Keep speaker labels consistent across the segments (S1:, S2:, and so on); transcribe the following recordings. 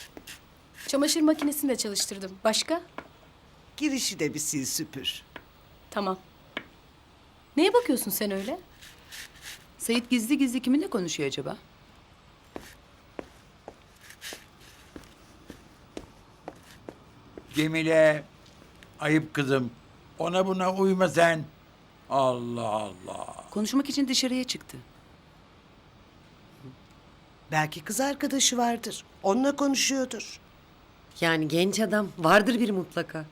S1: Çamaşır makinesini de çalıştırdım. Başka?
S2: Girişi de bir sil süpür.
S1: Tamam. Neye bakıyorsun sen öyle?
S3: Sait gizli gizli kiminle konuşuyor acaba?
S4: Cemile, ayıp kızım. Ona buna uyma sen. Allah Allah.
S3: Konuşmak için dışarıya çıktı.
S2: Belki kız arkadaşı vardır. Onunla konuşuyordur.
S5: Yani genç adam vardır bir mutlaka.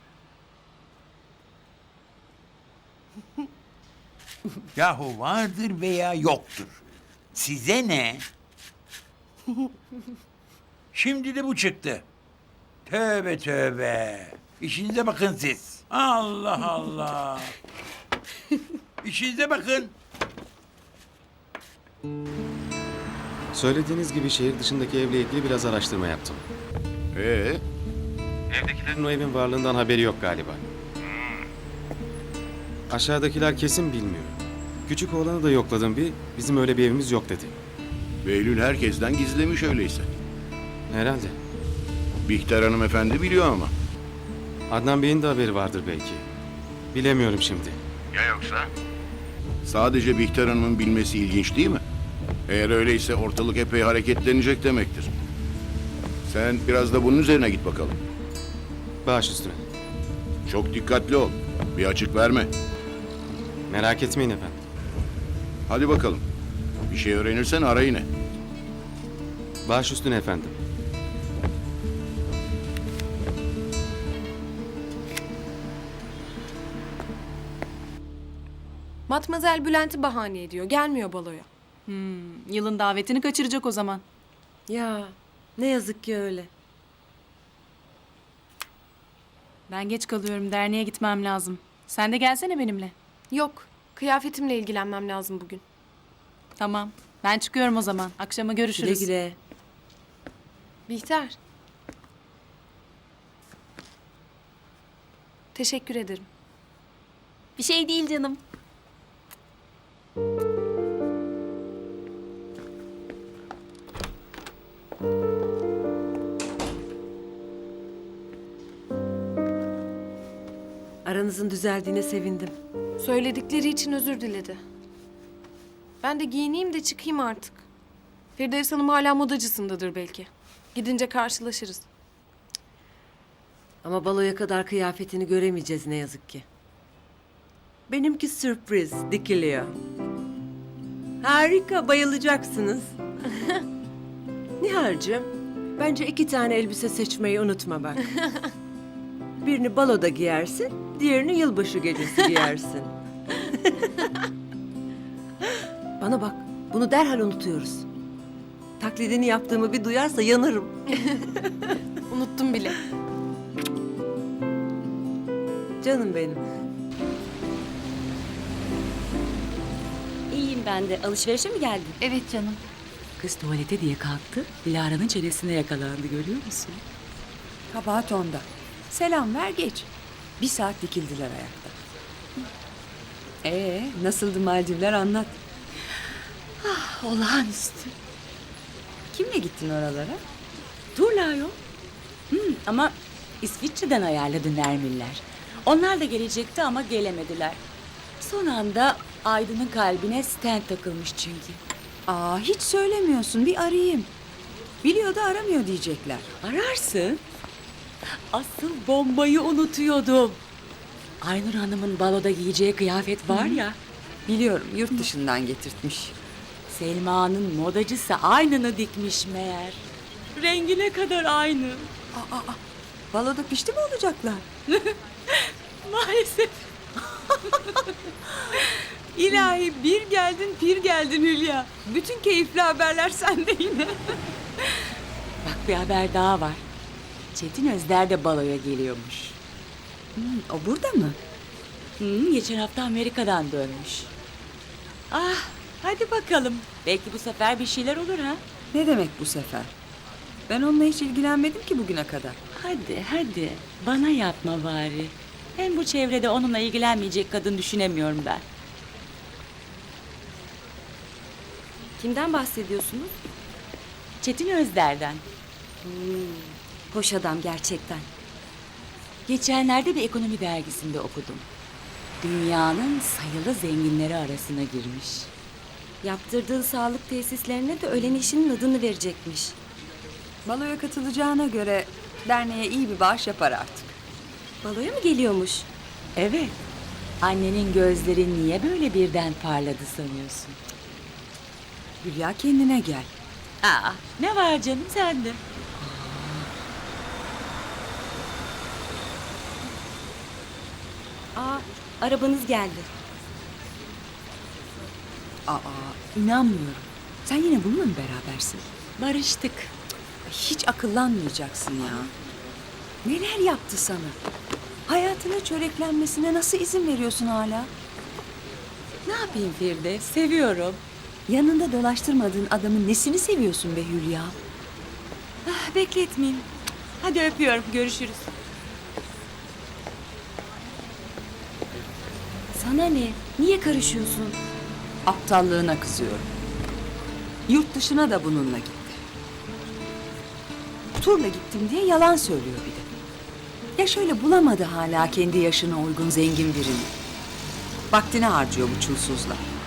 S4: Yahu vardır veya yoktur. Size ne? Şimdi de bu çıktı. Tövbe tövbe. İşinize bakın siz. Allah Allah. İşinize bakın.
S6: Söylediğiniz gibi şehir dışındaki evle ilgili biraz araştırma yaptım. Evdekilerin o evin varlığından haberi yok galiba. Aşağıdakiler kesin bilmiyor. Küçük oğlanı da yokladım bizim öyle bir evimiz yok dedi.
S7: Behlül herkesten gizlemiş öyleyse.
S6: Herhalde.
S7: Bihter hanımefendi biliyor ama.
S6: Adnan Bey'in de haberi vardır belki. Bilemiyorum şimdi.
S7: Ya yoksa? Sadece Bihter Hanım'ın bilmesi ilginç değil mi? Eğer öyleyse ortalık epey hareketlenecek demektir. Sen biraz da bunun üzerine git bakalım.
S6: Baş üstüne.
S7: Çok dikkatli ol. Bir açık verme.
S6: Merak etmeyin efendim.
S7: Hadi bakalım. Bir şey öğrenirsen ara yine.
S6: Baş üstüne efendim.
S8: Matmazel Bülent'i bahane ediyor. Gelmiyor baloya.
S9: Yılın davetini kaçıracak o zaman.
S5: Ya ne yazık ki öyle.
S9: Ben geç kalıyorum. Derneğe gitmem lazım. Sen de gelsene benimle.
S8: Yok. Kıyafetimle ilgilenmem lazım bugün.
S9: Tamam. Ben çıkıyorum o zaman. Akşama
S5: Güle
S9: görüşürüz.
S5: güle.
S8: Bihter. Teşekkür ederim.
S9: Bir şey değil canım.
S5: Aranızın düzeldiğine sevindim.
S8: Söyledikleri için özür diledi. Ben de giyineyim de çıkayım artık. Firdevs Hanım hala modacısındadır belki. Gidince karşılaşırız.
S5: Ama baloya kadar kıyafetini göremeyeceğiz ne yazık ki. Benimki sürpriz, dikiliyor. Harika, bayılacaksınız. Nihal'cığım, bence 2 tane elbise seçmeyi unutma bak. Birini baloda giyersin, diğerini yılbaşı gecesi giyersin. Bana bak, bunu derhal unutuyoruz. Taklidini yaptığımı bir duyarsa yanarım.
S8: Unuttum bile.
S5: Canım benim.
S10: İyiyim ben de. Alışverişe mi geldin?
S9: Evet canım.
S10: Kız tuvalete diye kalktı. Dilara'nın çenesine yakalandı görüyor musun?
S3: Kabahat onda. Selam ver geç. 1 saat dikildiler ayakta. Nasıldı Maldivler anlat.
S10: Olağanüstü.
S3: Kimle gittin oralara?
S10: Turla yok. Ama İsviçre'den ayarladı Nermiller. Onlar da gelecekti ama gelemediler. Son anda Aydın'ın kalbine stent takılmış çünkü.
S3: Hiç söylemiyorsun bir arayayım. Biliyor da aramıyor diyecekler.
S10: Ararsın. Asıl bombayı unutuyordum. Aynur Hanım'ın baloda giyeceği kıyafet var ya.
S3: Biliyorum yurt dışından getirtmiş.
S10: Selma'nın modacısı aynını dikmiş meğer. Rengine kadar aynı.
S3: Baloda pişti mi olacaklar?
S10: Maalesef.
S3: İlahi bir geldin pir geldin Hülya. Bütün keyifli haberler sende yine.
S10: Bak bir haber daha var. Çetin Özder de baloya geliyormuş.
S3: O burada mı?
S10: Geçen hafta Amerika'dan dönmüş. Hadi bakalım. Belki bu sefer bir şeyler olur ha.
S3: Ne demek bu sefer? Ben onunla hiç ilgilenmedim ki bugüne kadar.
S10: Hadi. Bana yapma bari. Hem bu çevrede onunla ilgilenmeyecek kadın düşünemiyorum ben.
S8: Kimden bahsediyorsunuz?
S10: Çetin Özder'den.
S11: Hoş adam gerçekten.
S10: Geçenlerde bir ekonomi dergisinde okudum. Dünyanın sayılı zenginleri arasına girmiş.
S11: Yaptırdığı sağlık tesislerine de ölen eşinin adını verecekmiş.
S3: Baloya katılacağına göre derneğe iyi bir bağış yapar artık.
S11: Baloya mı geliyormuş?
S10: Evet. Annenin gözleri niye böyle birden parladı sanıyorsun?
S3: Hülya kendine gel.
S10: Aa, ne var canım sende?
S11: Aa, arabanız geldi.
S3: Aa, inanmıyorum. Sen yine bununla mı berabersin?
S10: Barıştık.
S3: Hiç akıllanmayacaksın ya. Neler yaptı sana? Hayatına çöreklenmesine nasıl izin veriyorsun hala?
S10: Ne yapayım Firdevs? Seviyorum.
S3: Yanında dolaştırmadığın adamın nesini seviyorsun be Hülya?
S10: Ah, bekletmeyeyim. Hadi öpüyorum. Görüşürüz.
S11: Sana ne? Niye karışıyorsun?
S3: Aptallığına kızıyorum. Yurt dışına da bununla gitti. Turla gittim diye yalan söylüyor bir de. Ya şöyle bulamadı hala kendi yaşına uygun zengin birini. Vaktini harcıyor bu çulsuzla.